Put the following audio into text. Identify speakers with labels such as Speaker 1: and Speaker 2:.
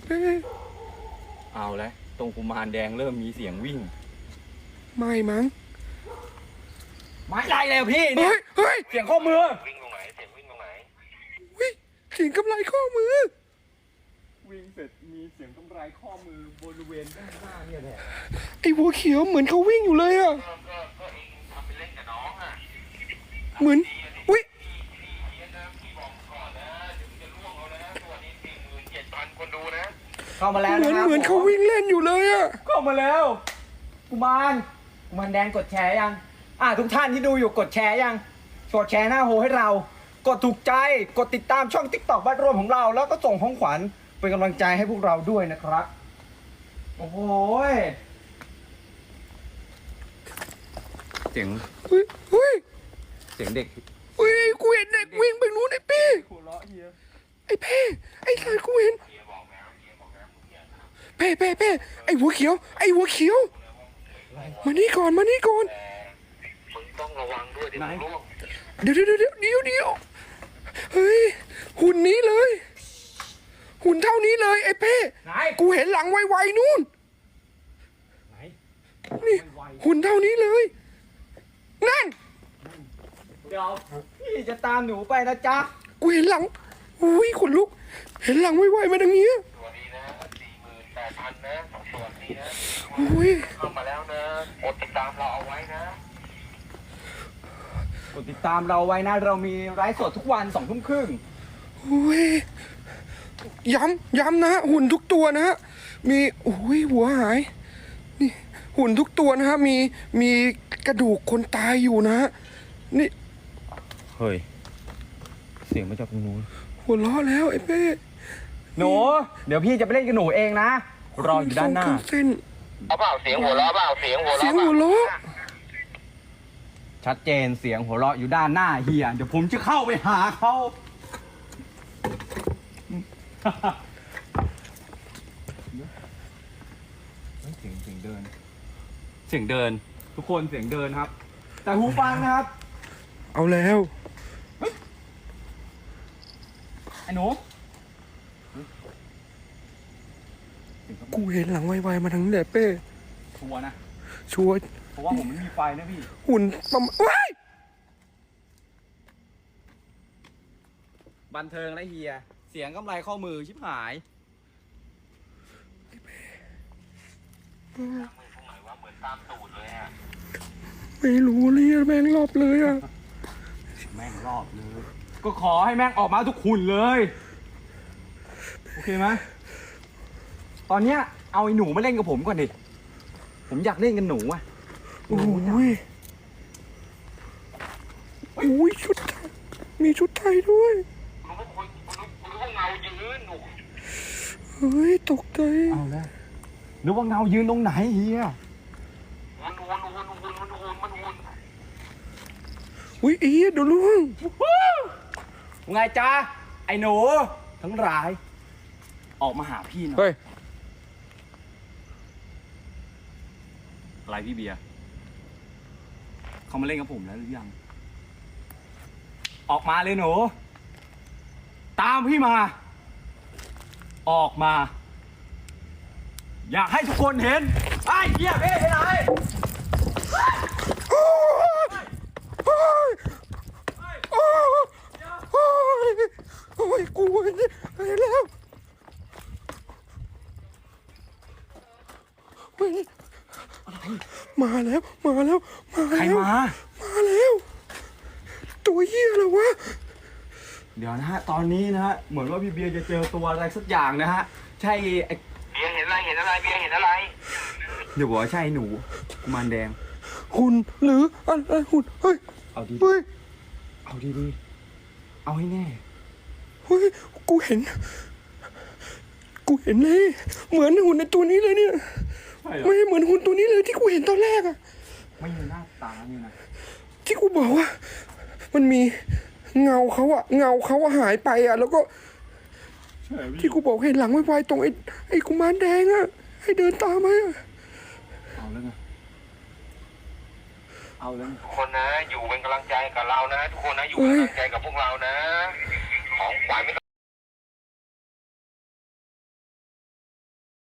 Speaker 1: เป้
Speaker 2: เอาแล้วตรงกุมารแดงเริ่มมีเสียงวิ่ง
Speaker 1: ไม่มั้ง
Speaker 2: ไม่ได้แล้วพี่เนี่ย
Speaker 1: เฮ้ย
Speaker 2: เสียงข้อมือ
Speaker 3: วิ่งตรงไหนเสียงวิ่งตรงไหน
Speaker 1: เสียงกำไรข้อมือ
Speaker 2: วิ่งเสร็จมีเสียงกำไรข้อมือบริเวณด้านหน้าเนี่ยแหละ
Speaker 1: ไอ้หัวเขียวเหมือนเขาวิ่งอยู่เลยอ่ะ
Speaker 3: ก็เองทำไปเล่นกับน้องอ่ะ
Speaker 1: เหมือนอุ้ย
Speaker 3: พี่บอกก่อนนะเดี๋ยวจะล่วงเอานะตัวนี้47,000 คนดูนะ
Speaker 2: เข้ามาแล้ว
Speaker 1: เหมือน
Speaker 2: นะครับ
Speaker 1: เหมือนเขาวิ่งเล่นอยู่เลยอ่ะ
Speaker 2: เข้ามาแล้วกุมารแดงกดแชร์ยังทุกท่านที่ดูอยู่กดแชร์ยังกดแชร์หน้าโฮให้เรากดถูกใจกดติดตามช่อง TikTok บ้านรวมของเราแล้วก็ส่งของขวัญเป็นกำลังใจให้พวกเราด้วยนะครับโอ้โหเสียง
Speaker 1: เฮ้ย
Speaker 2: เสียงเด็ก
Speaker 1: กูเห็นเด็กวิ่งไปนู้นไอ้เป้
Speaker 2: หัวเราะเฮีย
Speaker 1: ไอ้เป้ไอ้สัตว์กูเห็นเป้ไอ้หัวเขียวมานี่ก่อน
Speaker 3: มึงต้องระวังด้วยเดี๋ยวมึงล่วง
Speaker 1: เดี๋ยวเฮ้ยหุ่นนี้เลยหุ่นเท่านี้เลยไอ้เป้กูเห็นหลังไวๆนู่นนี่หุ่นเท่านี้เลยนั่น
Speaker 2: เดี๋ยวพี่จะตามหนูไปนะจ๊ะ
Speaker 1: กูเห็นหลังอุ้ยขนลุกเห็นหลังไวๆมาทางนี้
Speaker 3: ตัวนี้นะ48,000นะตัวนี้นะ
Speaker 1: อุ้ย
Speaker 3: เข้ามาแล้วนะกดติดตามเราเอาไว้นะ
Speaker 2: กดติดตามเราไว้นะเรามีไลฟ์สดทุกวัน20:30น.
Speaker 1: อุ้ยย้ำนะหุ่นทุกตัวนะฮะมีอุ้ยหัวหายนี่หุ่นทุกตัวนะฮะมีกระดูกคนตายอยู่นะฮะนี่
Speaker 2: เฮ้ยเสียงมาจากตรงนู้น
Speaker 1: หัวล้อแล้วไอ้เป้
Speaker 2: หนูเดี๋ยวพี่จะไปเล่นกับหนูเองนะรออยู่ด้านหน้า
Speaker 1: เส้น
Speaker 3: เอาเปล่าเสียงหัวเราะเปล่าเสียงหัว
Speaker 1: เราะ
Speaker 2: ชัดเจนเสียงหัวเราะอยู่ด้านหน้าเฮียเดี๋ยวผมจะเข้าไปหาเขาเสียงเดินทุกคนเสียงเดินครับแต่หูฟังนะครับ
Speaker 1: เอาแล้ว
Speaker 2: ไอ้หนู
Speaker 1: กูเห็นหลังไวๆมาทางนี้แหละเป้
Speaker 2: ชัวร์นะ
Speaker 1: ชัวร์
Speaker 2: เพราะว่าผมไม่มีไฟนะพี่
Speaker 1: หุ่นประมาณว้าย
Speaker 2: บันเทิงและเฮียเสียงกำไรข้อมือชิบหาย
Speaker 3: เหมือนตามตูดเลยอ่ะ
Speaker 1: ไม่รู้เลยแม่งรอบเลยอ่ะ
Speaker 2: แม่งรอบเลยก็ขอให้แม่งออกมาทุกหุ่นเลยโอเคไหมตอนเนี้ยเอาไอ้หนูมาเล่นกับผมก่อนดิผมอยากเล่นกับหนูอ่ะ
Speaker 1: โอ้ยชุดไทยมีชุดไทยด้วย
Speaker 3: เงายืน
Speaker 1: เฮ้ยตกใจ
Speaker 2: เอาแล้วนึกว่าเงายืนตรงไหนเฮีย
Speaker 3: มัน
Speaker 1: อุ้ยเดี๋ยวล่วง
Speaker 2: ไงจ้าไอ้หนูทั้งหลายออกมาหาพี่หน่อย
Speaker 1: เฮ้ย
Speaker 2: อะไรพี่เบียร์เขามาเล่นกับผมแล้วหรือยังออกมาเลยหนูตามพี่มาออกมาอยากให้ทุกคนเห็นไอ้เหี้ยเบ้ไปไหน
Speaker 1: โอ้ยกูเห็นแล้วมาแล้ว
Speaker 2: ใครมา
Speaker 1: แล้วตัวเหี้ยอะไรวะ
Speaker 2: เดี๋ยวนะฮะตอนนี้นะฮะเหมือนว่าพี่เบียร์จะเจอตัวอะไรสักอย่างนะฮะใช่ไอ้
Speaker 3: เบียร์เห็นอะไรเบียร์เห็นอะไร
Speaker 2: เดี๋ยวบอกว่าใช่หนูกุมารแดง
Speaker 1: หุ่นหรืออะไรหุ่นเฮ้ย
Speaker 2: เอาดีเอาให้แน่
Speaker 1: เฮ้ยกูเห็นเลยเหมือนหุ่นในตัวนี้เลยเนี่ยไม่เหมือนหุ่นตัวนี้เลยที่กูเห็นตอนแรกอะ
Speaker 2: ไม่มีหน้าตานี่นะ
Speaker 1: ที่กูบอกว่ามันมีเงาเขาหายไปอะแล้วก็ที่กูบอกเห็นหลังไวๆตรงไอ้กุมารแดงอะให้เดินตามมา
Speaker 2: เอาแล้วไง
Speaker 3: ทุกคนนะอยู่เป็นกำลังใจกับเรานะทุกคนนะอยู่เป็นกำลังใจกับพวกเรานะของขวัญไม่